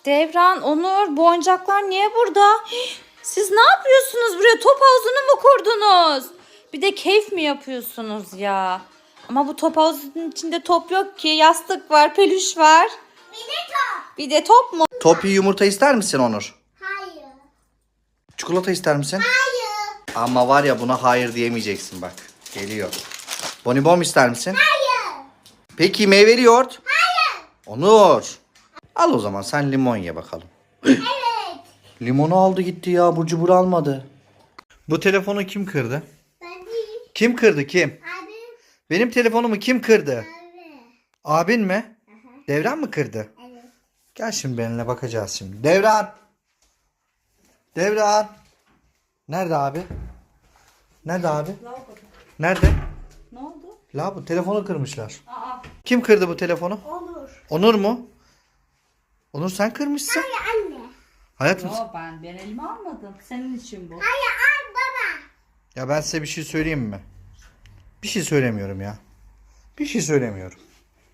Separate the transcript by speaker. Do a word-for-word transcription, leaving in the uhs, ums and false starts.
Speaker 1: Devran, Onur, bu oyuncaklar niye burada? Siz ne yapıyorsunuz buraya? Top havuzunu mu kurdunuz? Bir de keyif mi yapıyorsunuz ya? Ama bu top havuzunun içinde top yok ki. Yastık var, peluş var.
Speaker 2: Bir de top.
Speaker 1: Bir de top mu?
Speaker 3: Topi yumurta ister misin Onur?
Speaker 2: Hayır.
Speaker 3: Çikolata ister misin?
Speaker 2: Hayır.
Speaker 3: Ama var ya, buna hayır diyemeyeceksin bak. Geliyor. Bonibon ister misin?
Speaker 2: Hayır.
Speaker 3: Peki meyveli yoğurt?
Speaker 2: Hayır.
Speaker 3: Onur. Al o zaman, sen limon ye bakalım.
Speaker 2: Evet.
Speaker 3: Limonu aldı gitti ya, burcu cubur almadı. Bu telefonu kim kırdı?
Speaker 2: Ben değil.
Speaker 3: Kim kırdı kim?
Speaker 2: Abi.
Speaker 3: Benim telefonumu kim kırdı?
Speaker 2: Abi.
Speaker 3: Abin mi? Devran mı kırdı?
Speaker 2: Evet.
Speaker 3: Gel şimdi benimle bakacağız şimdi. Devran. Devran. Nerede abi? Nerede abi? Nerede?
Speaker 1: Ne oldu?
Speaker 3: La, bu telefonu kırmışlar.
Speaker 1: Aa,
Speaker 3: Kim kırdı bu telefonu?
Speaker 2: Olur.
Speaker 3: Onur mu? Onur, sen kırmışsın.
Speaker 2: Hayır anne.
Speaker 3: Hayatım.
Speaker 1: yo, ben ben elime almadım. Senin için bu.
Speaker 2: Hayır al baba.
Speaker 3: Ya ben size bir şey söyleyeyim mi? Bir şey söylemiyorum ya. Bir şey söylemiyorum.